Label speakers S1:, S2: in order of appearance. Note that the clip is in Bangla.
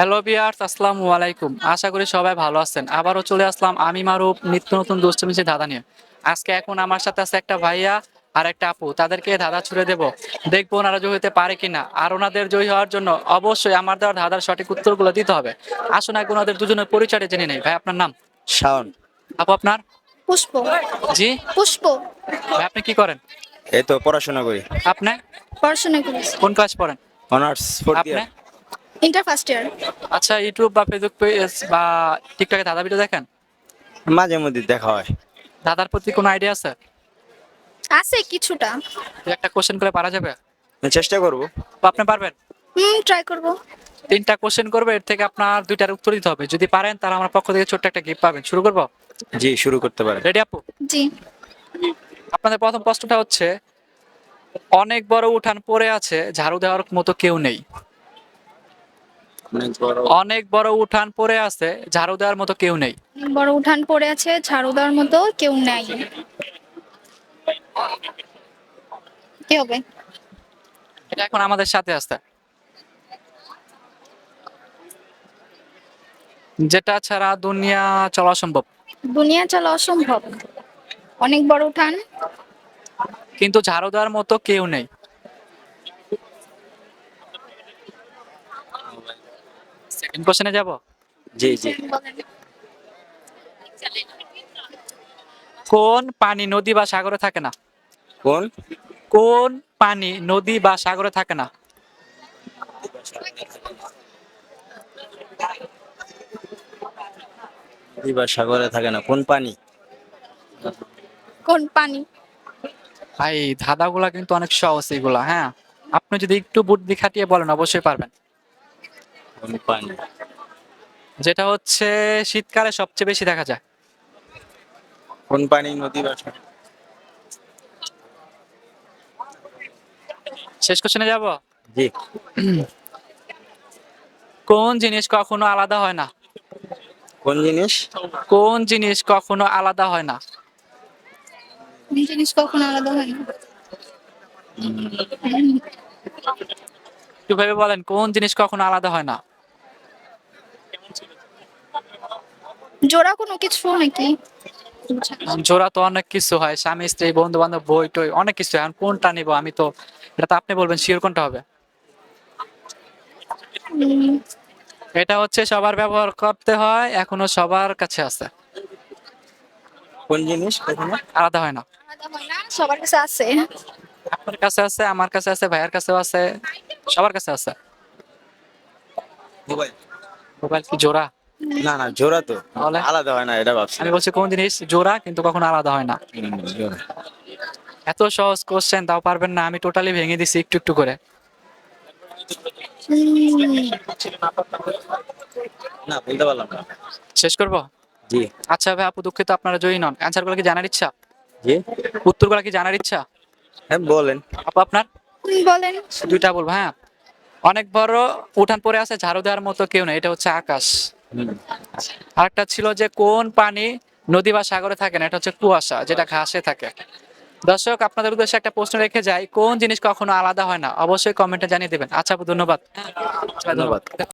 S1: হ্যালো ভিউয়ার্স, আসসালামু আলাইকুম। আশা করি সবাই ভালো আছেন। আবারও চলে আসলাম আমি মারুফ নিত্য নতুন দুষ্টমিষ্টি ধাঁধা নিয়ে। আজকে এখন আমার সাথে আছে একটা ভাইয়া আর একটা আপু। তাদেরকে ধাঁধা ছুড়ে দেব, দেখবো ওনারা জয়ী হতে পারে কিনা। আর ওনাদের জয়ী হওয়ার জন্য অবশ্যই আমার দেওয়ার ধাঁধার সঠিক উত্তরগুলো দিতে হবে। আসুন আগে ওনাদের দুজনের পরিচয়টা জেনে নেই। ভাই, আপনার নাম?
S2: শাওন।
S1: আপু, আপনার?
S3: পুষ্প।
S1: জি।
S3: পুষ্প।
S1: ভাই, আপনি কি করেন?
S2: এই তো পড়াশোনা করি।
S1: আপনি
S3: পড়াশোনা করেছি।
S1: কোন ক্লাস পড়েন?
S2: অনার্স ফোর্থ
S1: আপনি?
S2: ইয়ার।
S3: Inter first year.
S1: আচ্ছা, ইউটিউব বা ফেসবুক পেজ বা টিকটকে ধাঁধা ভিডিও দেখেন?
S2: মাঝে মধ্যে দেখা হয়।
S1: ধাঁধার প্রতি কোনো আইডিয়া আছে?
S3: আছে কিছুটা।
S1: দু একটা কোশ্চেন করে পারা যাবে?
S2: চেষ্টা করব।
S1: তো আপনি পারবেন?
S3: ট্রাই করব।
S1: তিনটা কোশ্চেন করবে, এর থেকে আপনার দুইটার উত্তর দিতে হবে। যদি পারেন তাহলে আমার পক্ষ থেকে ছোট্ট একটা গিফট পাবেন। শুরু করবো?
S2: জি, শুরু করতে পারেন।
S1: রেডি আপু?
S3: জি।
S1: আপনাদের প্রথম প্রশ্নটা হচ্ছে, অনেক বড় উঠান পড়ে আছে, ঝাড়ু দেওয়ার মতো কেউ নেই। অনেক বড় উঠান পড়ে আছে, ঝাড়ু দেওয়ার মতো কেউ নেই।
S3: বড় উঠান পড়ে আছে, ঝাড়ু দেওয়ার মতো কেউ নাই। কি হবে?
S1: এটা এখন আমাদের সাথে আছে, যেটা ছাড়া দুনিয়া চলা সম্ভব।
S3: দুনিয়া চলা অসম্ভব। অনেক বড় উঠান।
S1: কিন্তু ঝাড়ু দেওয়ার মতো কেউ নেই। সেকেন্ড কোশ্চেনে যাব।
S2: জি জি।
S1: কোন পানি নদী বা সাগরে থাকে না?
S2: কোন
S1: কোন পানি নদী বা সাগরে থাকে না?
S2: নদী বা সাগরে থাকে না? কোন পানি?
S3: কোন পানি?
S1: ভাই, ধাঁধাগুলা কিন্তু অনেক সহজ এগুলা। হ্যাঁ, আপনি যদি একটু বুদ্ধি খাটিয়ে বলেন অবশ্যই পারবেন।
S2: কোন পানি?
S1: যেটা হচ্ছে শীতকালে সবচেয়ে বেশি দেখা যায়।
S2: কোন পানি নদী বা
S1: শেষ কোশ্চেনে যাব।
S2: জি।
S1: কোন জিনিস কখনো আলাদা হয় না?
S2: কোন জিনিস?
S1: কোন জিনিস কখনো আলাদা হয় না?
S3: কোন জিনিস কখনো আলাদা হয় না?
S1: একটু ভেবে বলেন, কোন জিনিস কখনো আলাদা হয় না?
S3: জোড়া কোনো কিছু নাকি?
S1: জোড়া তো অনেক কিছু হয়, স্বামী স্ত্রী বন্ধু বান্ধব বই টই অনেক কিছু। এখন কোনটা নিব আমি তো, এটা তো আপনি বলবেন শিওর কোনটা হবে।
S3: উম,
S1: এটা হচ্ছে সবার ব্যবহার করতে হয়, এখনো সবার কাছে আছে,
S2: কোন জিনিস কখনো
S1: আলাদা হয় না।
S3: আলাদা হয় না, সবার কাছে আছে।
S1: আপনার কাছে আছে, আমার কাছে আছে, ভাইয়ের কাছেও আছে, সবার কাছে আছে।
S2: মোবাইল?
S1: মোবাইল কি জোড়া?
S2: না না, জোড়া তো
S1: তাহলে
S2: আলাদা হয় না, এটা ভাবছি।
S1: আমি বলছি কোন জিনিস জোড়া কিন্তু কখনো আলাদা হয় না।
S2: জোড়া।
S1: এত সহজ কোশ্চেন তাও পারবেন না? আমি টোটালি ভেঙে দিছি একটু একটু করে।
S3: উম,
S2: না, বলতে পারলাম না।
S1: শেষ করব?
S2: জি
S1: আচ্ছা ভাই আপু, দুঃখিত, আপনারা জয়ী নন। অ্যান্সার গুলো কি জানার ইচ্ছা?
S2: জি।
S1: উত্তরগুলো কি জানার ইচ্ছা?
S2: হ্যাঁ বলেন।
S1: আপু, আপনার?
S3: বলেন।
S1: দুইটা বলবো, হ্যাঁ। অনেক বড় উঠান পড়ে আছে, ঝাড়ু দেওয়ার মতো কেউ নেই, এটা হচ্ছে আকাশ। আরেকটা ছিল যে কোন পানি নদী বা সাগরে থাকে না, এটা হচ্ছে কুয়াশা, যেটা ঘাসে থাকে। দর্শক, আপনাদের উদ্দেশ্যে একটা প্রশ্ন রেখে যাই, কোন জিনিস কখনো আলাদা হয় না? অবশ্যই কমেন্টে জানিয়ে দেবেন। আচ্ছা আপু, ধন্যবাদ।
S2: ধন্যবাদ।